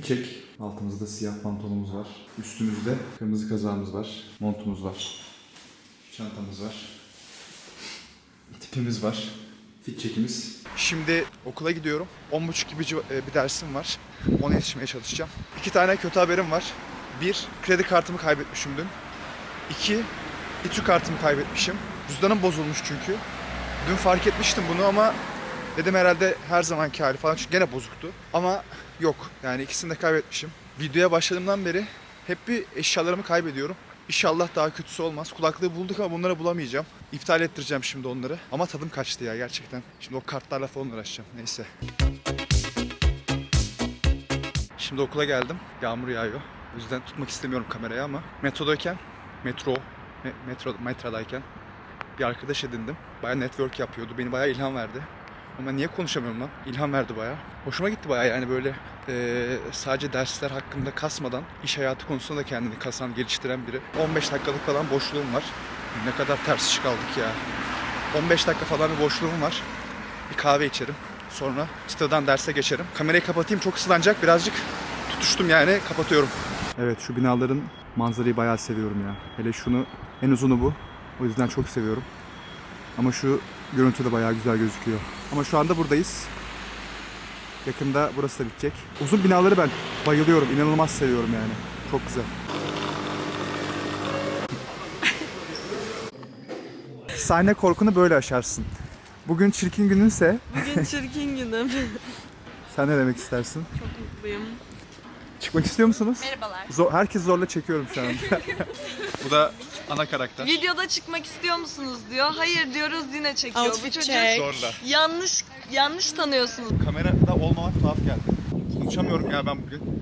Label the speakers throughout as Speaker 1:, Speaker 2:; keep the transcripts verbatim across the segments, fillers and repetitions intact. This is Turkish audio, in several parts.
Speaker 1: çek. Altımızda siyah pantolonumuz var. Üstümüzde kırmızı kazağımız var. Montumuz var. Çantamız var. Tipimiz var. Fit çekimiz. Şimdi okula gidiyorum. on buçuk gibi bir dersim var. Ona yetişmeye çalışacağım. İki tane kötü haberim var. Bir, kredi kartımı kaybetmişim dün. İki, İTÜ kartımı kaybetmişim. Cüzdanım bozulmuş çünkü. Dün fark etmiştim bunu ama dedim herhalde her zamanki hali falan çünkü gene bozuktu. Ama yok, yani ikisini de kaybetmişim. Videoya başladığımdan beri hep bir eşyalarımı kaybediyorum. İnşallah daha kötüsü olmaz. Kulaklığı bulduk ama bunları bulamayacağım. İptal ettireceğim şimdi onları. Ama tadım kaçtı ya gerçekten. Şimdi o kartlarla falan uğraşacağım. Neyse. Şimdi okula geldim. Yağmur yağıyor. O yüzden tutmak istemiyorum kamerayı ama metrodayken, metro, me- metro, metrodayken bir arkadaş edindim. Bayağı network yapıyordu. Beni bayağı ilham verdi. Ama niye konuşamıyorum lan? İlham verdi bayağı. Hoşuma gitti bayağı yani böyle e, sadece dersler hakkında kasmadan iş hayatı konusunda da kendini kasan, geliştiren biri. on beş dakikalık falan boşluğum var. Ne kadar ters iş kaldık ya. on beş dakika falan bir boşluğum var. Bir kahve içerim. Sonra çıtadan derse geçerim. Kamerayı kapatayım, çok ıslanacak. Birazcık tutuştum yani, kapatıyorum. Evet, şu binaların manzarayı bayağı seviyorum ya. Hele şunu, en uzunu bu. O yüzden çok seviyorum. Ama şu görüntü de bayağı güzel gözüküyor. Ama şu anda buradayız. Yakında burası da bitecek. Uzun binaları ben bayılıyorum. İnanılmaz seviyorum yani. Çok güzel. Sahne korkunu böyle aşarsın. Bugün çirkin gününse...
Speaker 2: Bugün çirkin günüm.
Speaker 1: Sen ne demek istersin?
Speaker 2: Çok mutluyum.
Speaker 1: Çıkmak istiyor musunuz?
Speaker 2: Merhabalar.
Speaker 1: Zor, herkes zorla çekiyorum şu an. Bu da ana karakter.
Speaker 2: Videoda çıkmak istiyor musunuz diyor. Hayır diyoruz, yine çekiyor.
Speaker 3: Outfit
Speaker 2: Bu çocuk
Speaker 3: check.
Speaker 1: Zorla.
Speaker 2: yanlış yanlış tanıyorsunuz.
Speaker 1: Kamerada olmamak tuhaf geldi. Konuşamıyorum ya ben bugün.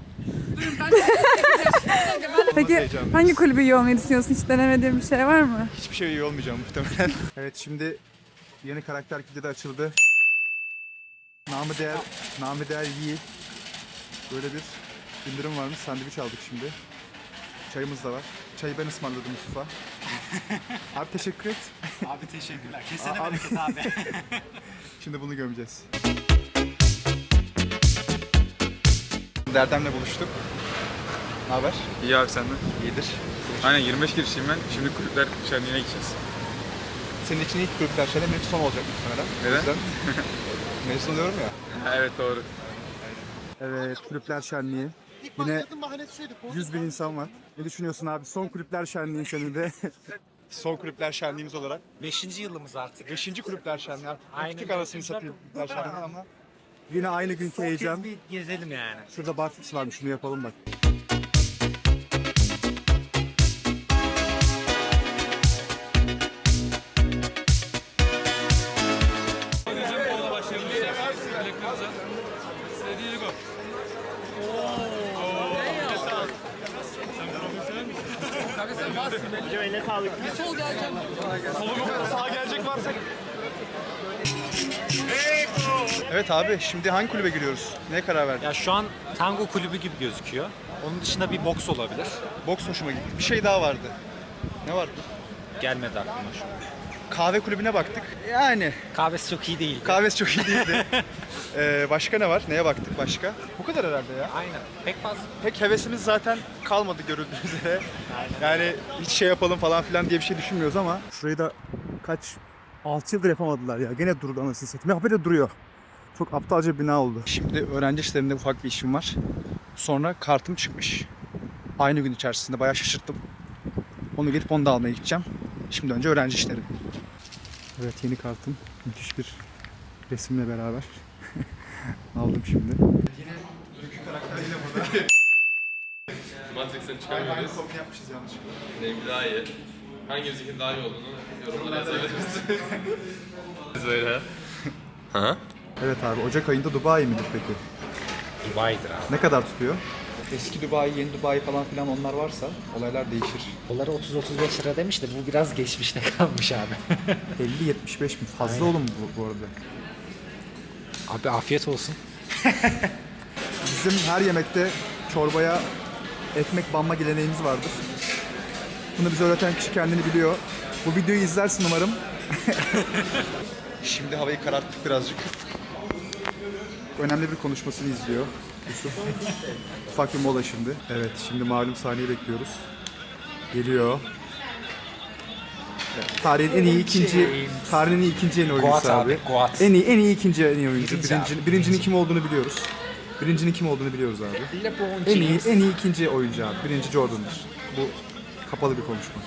Speaker 3: Peki
Speaker 1: Heyecanlıyız.
Speaker 3: hangi kulübü iyi olmayı düşünüyorsun? Hiç denemediğin bir şey var mı?
Speaker 1: Hiçbir şey iyi olmayacağım muhtemelen. Evet, şimdi yeni karakter kilidi de açıldı. Namı değer, namı değer Yi. Böyle bir indirim varmış. Sandviç aldık şimdi. Çayımız da var. Çayı ben ısmarladım Yusuf'a. Abi teşekkür et.
Speaker 4: Abi teşekkürler. Kesene
Speaker 1: Abi.
Speaker 4: bereket abi.
Speaker 1: Şimdi bunu gömeceğiz. Derdem'le buluştuk. Ne haber?
Speaker 5: İyi abi senden.
Speaker 1: İyidir.
Speaker 5: Aynen yirmi beş girişiyim ben. Şimdi kulüpler şenliğine gideceğiz.
Speaker 1: Senin için ilk kulüpler şenliği, benimki son olacak muhtemelen. O
Speaker 5: Neden?
Speaker 1: yüzden mezun oluyorum ya.
Speaker 5: Ha, evet doğru.
Speaker 1: Evet, kulüpler şenliği. Yine yüz bin insan var. Ne düşünüyorsun abi? Son kulüpler şenliği senin de. Son kulüpler şenliğimiz olarak.
Speaker 4: Beşinci yılımız artık.
Speaker 1: Beşinci kulüpler şenliği.
Speaker 4: Aynen.
Speaker 1: Küçük anasını satayım kulüpler şenliği ama. Yine aynı günkü heyecan.
Speaker 4: Bir gezelim yani.
Speaker 1: Şurada barfiks varmış, şunu yapalım bak. Evet abi, şimdi hangi kulübe giriyoruz? Neye karar verdin?
Speaker 4: Ya şu an tango kulübü gibi gözüküyor. Onun dışında bir boks olabilir.
Speaker 1: Boks hoşuma gitti. Bir şey daha vardı. Ne vardı?
Speaker 4: Gelmedi aklıma şu an.
Speaker 1: Kahve kulübüne baktık. Yani
Speaker 4: Kahvesi çok iyi değil.
Speaker 1: kahvesi çok iyi değildi. ee, başka ne var? Neye baktık başka? Bu kadar herhalde ya.
Speaker 4: Aynen. Pek fazla.
Speaker 1: Pek hevesimiz zaten kalmadı görüldüğü üzere. Yani hiç şey yapalım falan filan diye bir şey düşünmüyoruz ama. Şurayı da kaç, altı yıldır yapamadılar ya. Gene durdu anasını satayım. Ya böyle duruyor. Çok aptalca bir bina oldu. Şimdi öğrenci işlerinde ufak bir işim var. Sonra kartım çıkmış. Aynı gün içerisinde bayağı şaşırttım. Onu gelip onu da almaya gideceğim. Şimdi önce öğrenci işleri. Evet, yeni kartım. Müthiş bir resimle beraber. Aldım şimdi. Yine Rükü karakter yine burada.
Speaker 5: Matrix'ten çıkarmıyoruz.
Speaker 1: Aynı kopya yapmışız yanlışlıkla.
Speaker 5: Benimki daha iyi. Hangimizin daha iyi olduğunu yorumlara yazabiliriz. Böyle. Ha?
Speaker 1: Evet abi, Ocak ayında Dubai midir peki?
Speaker 4: Dubai'dir abi.
Speaker 1: Ne kadar tutuyor? Eski Dubai, yeni Dubai falan filan onlar varsa olaylar değişir.
Speaker 4: Doları otuz otuz beş lira demiş de bu biraz geçmişte kalmış abi.
Speaker 1: elli yetmiş beş mi? Fazla oğlum bu, bu arada.
Speaker 4: Abi afiyet olsun.
Speaker 1: Bizim her yemekte çorbaya ekmek banma geleneğimiz vardır. Bunu bize öğreten kişi kendini biliyor. Bu videoyu izlersin umarım. Şimdi havayı kararttık birazcık. Önemli bir konuşmasını izliyor. Yusuf. Ufak bir mola şimdi. Evet, şimdi malum sahneyi bekliyoruz. Geliyor. Evet, tarihin en iyi ikinci, tarihin en iyi ikinci en iyi oyuncusu
Speaker 4: Goat
Speaker 1: abi.
Speaker 4: abi, Goat.
Speaker 1: En iyi, en iyi ikinci en iyi oyuncu.
Speaker 4: Birinci
Speaker 1: Birinci,
Speaker 4: abi,
Speaker 1: birincinin
Speaker 4: birinci.
Speaker 1: kim olduğunu biliyoruz. Birincinin kim olduğunu biliyoruz abi.
Speaker 4: LeBron
Speaker 1: En iyi,
Speaker 4: James.
Speaker 1: en iyi ikinci oyuncu abi. Birinci Jordan'dır. Bu kapalı bir konuşma.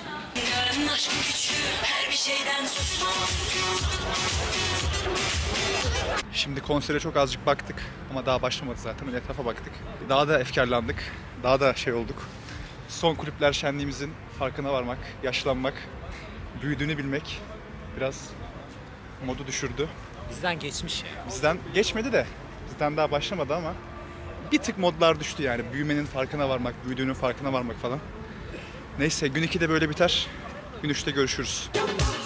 Speaker 1: Şimdi konsere çok azıcık baktık ama daha başlamadı zaten. Öyle etrafa baktık. Daha da efkarlandık. Daha da şey olduk. Son kulüpler şenliğimizin farkına varmak, yaşlanmak, büyüdüğünü bilmek biraz modu düşürdü.
Speaker 4: Bizden geçmiş ya.
Speaker 1: Bizden geçmedi de, bizden daha başlamadı ama bir tık modlar düştü yani. Büyümenin farkına varmak, büyüdüğünün farkına varmak falan. Neyse gün iki de böyle biter. Gün üçte görüşürüz.